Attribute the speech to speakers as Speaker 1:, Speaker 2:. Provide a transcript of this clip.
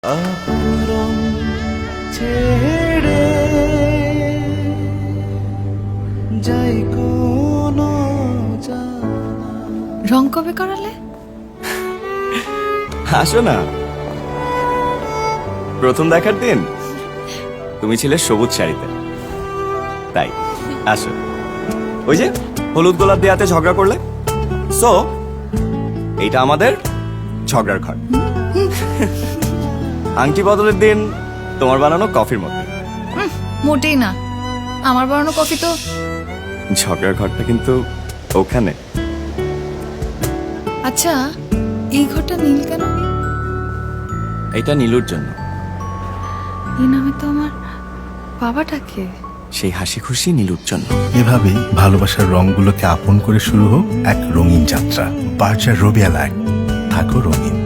Speaker 1: আপুরম ছেড়ে যাই কোন
Speaker 2: রং কবে করালে?
Speaker 3: আসো না। প্রথম দেখার দিন তুমি ছিলে সবুজ শাড়িতে, তাই আসো। ওই যে হলুদ গোলাপ দিয়ে হাতে ঝগড়া করলে, সো এইটা আমাদের ঝগড়ার ঘর। আংটি বদলের দিন তোমার বানানো কফির মধ্যে।
Speaker 2: মোটেই না, আমার বানানো কফি তো।
Speaker 3: ঝগড়ার ঘরটা কিন্তু ওখানে।
Speaker 2: আচ্ছা, এই ঘরটা নীল কেন?
Speaker 3: এটা নীলুর জন্য।
Speaker 2: এই নামে তো আমার বাবাটাকে।
Speaker 3: সেই হাসি খুশি নীলুর জন্য।
Speaker 4: এভাবেই ভালোবাসার রঙগুলোকে আপন করে শুরু হোক এক রঙিন যাত্রা। বার্জার রবিয়া লাইট, থাকো রঙিন।